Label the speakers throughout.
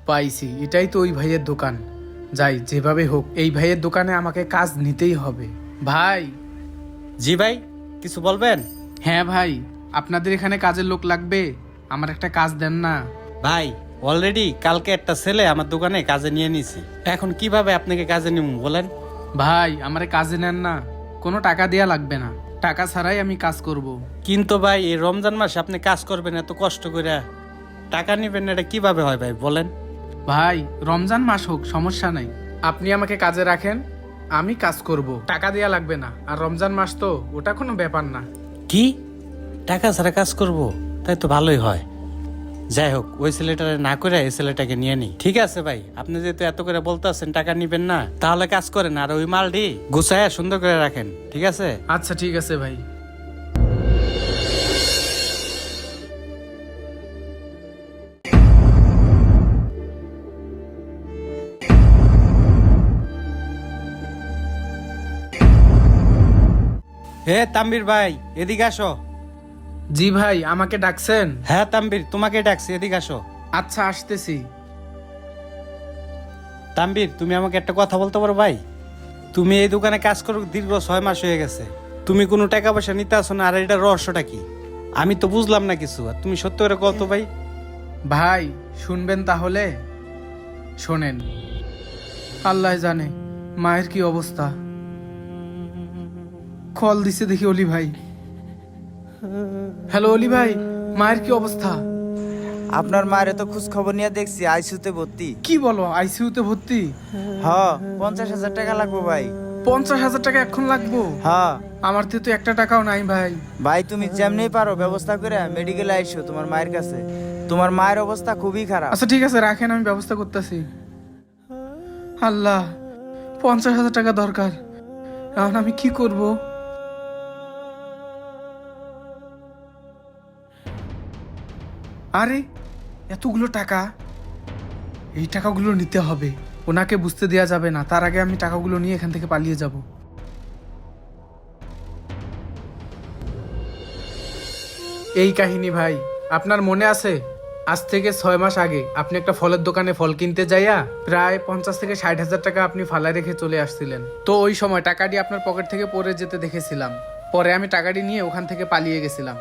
Speaker 1: পাইছি, এটাই তো ওই ভাইয়ের দোকান। যাই, যেভাবে হোক এই ভাইয়ের দোকানে আমাকে কাজ নিতেই হবে। ভাই।
Speaker 2: জি ভাই, কিছু বলবেন?
Speaker 1: হ্যাঁ ভাই, আপনাদের এখানে কাজের লোক লাগবে, আমার একটা কাজ দেন না।
Speaker 2: ভাই অলরেডি কালকে একটা ছেলে আমার দোকানে কাজে নিয়ে নিছি, এখন কিভাবে আপনাকে কাজে নিব বলেন?
Speaker 1: ভাই আমারে কাজে নেন না, কোনো টাকা দেয়া লাগবে না, টাকা ছাড়াই আমি কাজ করব।
Speaker 2: কিন্তু ভাই এই রমজান মাসে আপনি কাজ করবেন এত কষ্ট করে, টাকা নিবেন না, এটা কিভাবে হয় ভাই বলেন?
Speaker 1: ভাই রমজান মাস হোক সমস্যা নাই, আপনি আমাকে কাজে রাখেন, আমি কাজ করব, টাকা দেয়া লাগবে না। আর রমজান মাস তো ওটা কোনো ব্যাপার না।
Speaker 2: কি টাকা ছাড়া কাজ করব? তাই তো ভালোই হয়। যাই হোক, ওই ছেলেটারে না করে এই ছেলেটাকে নিয়ে নি। ঠিক আছে ভাই, আপনি যেহেতু এত করে বলতেছেন টাকা নিবেন না, তাহলে কাজ করেন আর ওই মালটি গুছায় সুন্দর করে রাখেন, ঠিক আছে?
Speaker 1: আচ্ছা ঠিক আছে ভাই।
Speaker 2: হে তাম্বির ভাই, এদিকে আসো।
Speaker 1: জি ভাই, আমাকে ডাকছেন?
Speaker 2: হ্যাঁ তাম্বির, তোমাকে ডাকছি, এদিকে আসো।
Speaker 1: আচ্ছা আসতেছি।
Speaker 2: তাম্বির, তুমি আমাকে একটা কথা বলতে পারো ভাই? তুমি এই দোকানে কাজ করো দীর্ঘ 6 মাস হয়ে গেছে, তুমি কোনো টাকা পয়সা নিতে আসো না, আর এটা রহস্যটা কি? আমি তো বুঝলাম না কিছু, আর তুমি সত্যি করে কত ভাই?
Speaker 1: ভাই শুনবেন তাহলে? শোনেন, আল্লাহ জানে মায়ের কি অবস্থা। কল দিছে দেখি অলি ভাই। হ্যালো অলি ভাই, মায়ের কি অবস্থা?
Speaker 3: আপনার মায়ের তো খোঁজ খবর নিয়ে দেখছি আইসিইউতে ভর্তি।
Speaker 1: কি বলো, আইসিইউতে ভর্তি?
Speaker 3: হ, 50,000 টাকা লাগবে ভাই।
Speaker 1: 50,000 টাকা এখন লাগবো?
Speaker 3: হ্যাঁ
Speaker 1: আমার তো একটা টাকাও নাই ভাই।
Speaker 3: ভাই, তুমি যেমনি পারো ব্যবস্থা করে মেডিকেলে আইসো তোমার মায়ের কাছে, তোমার মায়ের অবস্থা খুবই খারাপ।
Speaker 1: আচ্ছা ঠিক আছে, রাখেন, আমি ব্যবস্থা করতেছি। আল্লাহ, 50,000 টাকা দরকার, এখন আমি কি করব? আরে এতগুলো টাকা, এই টাকাগুলো নিতে হবে, ওনাকে বুঝতে দেয়া যাবে না, তার আগে আমি টাকাগুলো নিয়ে এখান থেকে পালিয়ে যাব। এই কাহিনী ভাই, আপনার মনে আছে? আজ থেকে 6 মাস আগে আপনি একটা ফলের দোকানে ফল কিনতে যাইয়া প্রায় 50 থেকে 60,000 টাকা আপনি ফালায় রেখে চলে আসছিলেন। তো ওই সময় টাকাটি আপনার পকেট থেকে পড়ে যেতে দেখেছিলাম, পরে আমি টাকাটি নিয়ে ওখান থেকে পালিয়ে গেছিলাম।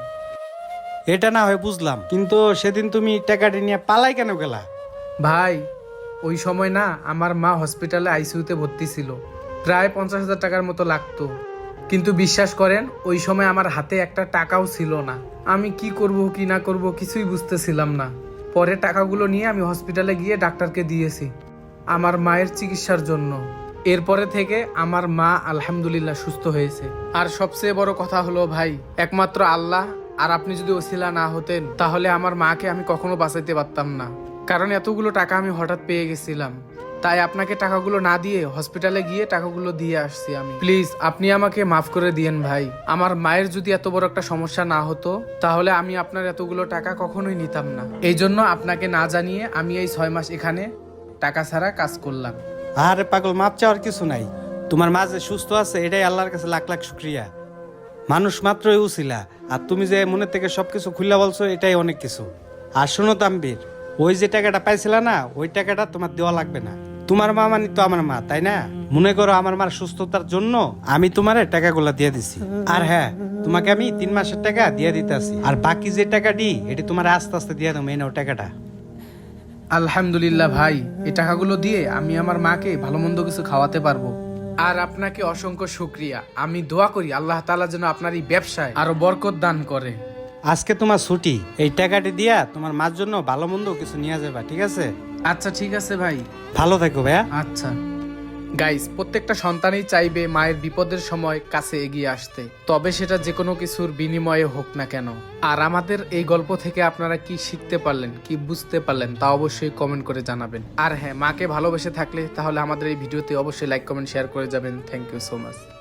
Speaker 2: এটা না হয় বুঝলাম, কিন্তু সেদিন তুমি টাকাটি নিয়ে পালাই কেন গেলা?
Speaker 1: ভাই ওই সময় না আমার মা হসপিটালে আইসিইউতে ভর্তি ছিল, প্রায় 50,000 টাকার মতো লাগতো, কিন্তু বিশ্বাস করেন ওই সময় আমার হাতে একটা টাকাও ছিল না। আমি কি করব কি না করব কিছুই বুঝতেছিলাম না। পরে টাকাগুলো নিয়ে আমি হসপিটালে গিয়ে ডাক্তারকে দিয়েছি আমার মায়ের চিকিৎসার জন্য। এরপরে থেকে আমার মা আলহামদুলিল্লাহ সুস্থ হয়েছে। আর সবচেয়ে বড় কথা হলো ভাই, একমাত্র আল্লাহ আর আপনি যদি ওসিলা না হতেন তাহলে আমার মাকে আমি কখনো বাঁচাইতে পারতাম না, কারণ এতগুলো টাকা আমি হঠাৎ পেয়ে গেছিলাম। তাই আপনাকে টাকাগুলো না দিয়ে হসপিটালে গিয়ে টাকাগুলো দিয়ে আসছি আমি। প্লিজ আপনি আমাকে মাফ করে দিয়েন ভাই। আমার মায়ের যদি এত বড় একটা সমস্যা না হতো তাহলে আমি আপনার এতগুলো টাকা কখনোই নিতাম না। এই জন্য আপনাকে না জানিয়ে আমি এই 6 মাস এখানে টাকা ছাড়া কাজ করলাম।
Speaker 2: আরে পাগল, মাপ চাওয়ার কিছু নাই, তোমার মা যে সুস্থ আছে এটাই আল্লাহর কাছে লাখ লাখ শুক্রিয়া। মানুষ মাত্রই উছিলা, আর তুমি যে মনের থেকে সবকিছু খুলে বলছো এটাই অনেক কিছু। আর শোনো তাম্বির, ওই যে টাকাটা পাইছিলা না, ওই টাকাটা তোমার দেওয়া লাগবে না। তোমার মা মানে তো আমার মা, তাই না? মনে করো আমার মার সুস্থতার জন্য আমি তোমার টাকাগুলা দিয়ে দিছি। আর হ্যাঁ, তোমাকে আমি 3 মাসের টাকা দিয়ে দিতেছি, আর বাকি যে টাকাটি এটি তোমার আস্তে আস্তে দিয়ে দেবো। এই নাও টাকাটা।
Speaker 1: আলহামদুলিল্লাহ ভাই, এই টাকাগুলো দিয়ে আমি আমার মাকে ভালো মন্দ কিছু খাওয়াতে পারবো। আর আপনাকে অসংখ্য শুক্রিয়া। আমি দোয়া করি আল্লাহ তাআলা যেন আপনার এই ব্যবসায় আরো বরকত দান করে।
Speaker 2: আজকে তোমার ছুটি, এই টাকাটি দিয়া তোমার মার জন্য ভালো মন্দ কিছু নিয়ে যাবা, ঠিক আছে?
Speaker 1: আচ্ছা ঠিক আছে ভাই।
Speaker 2: ভালো থাকো ভাইয়া।
Speaker 1: আচ্ছা গাইস, প্রত্যেকটা সন্তানই চাইবে মায়ের বিপদের সময় কাছে এগিয়ে আসতে, তবে সেটা যে কোনো কিছুর বিনিময়ে হোক না কেন। আর আমাদের এই গল্প থেকে আপনারা কি শিখতে পারলেন, কি বুঝতে পারলেন তা অবশ্যই কমেন্ট করে জানাবেন। আর হ্যাঁ, মাকে ভালোবেসে থাকলে তাহলে আমাদের এই ভিডিওতে অবশ্যই লাইক কমেন্ট শেয়ার করে যাবেন। Thank you so much.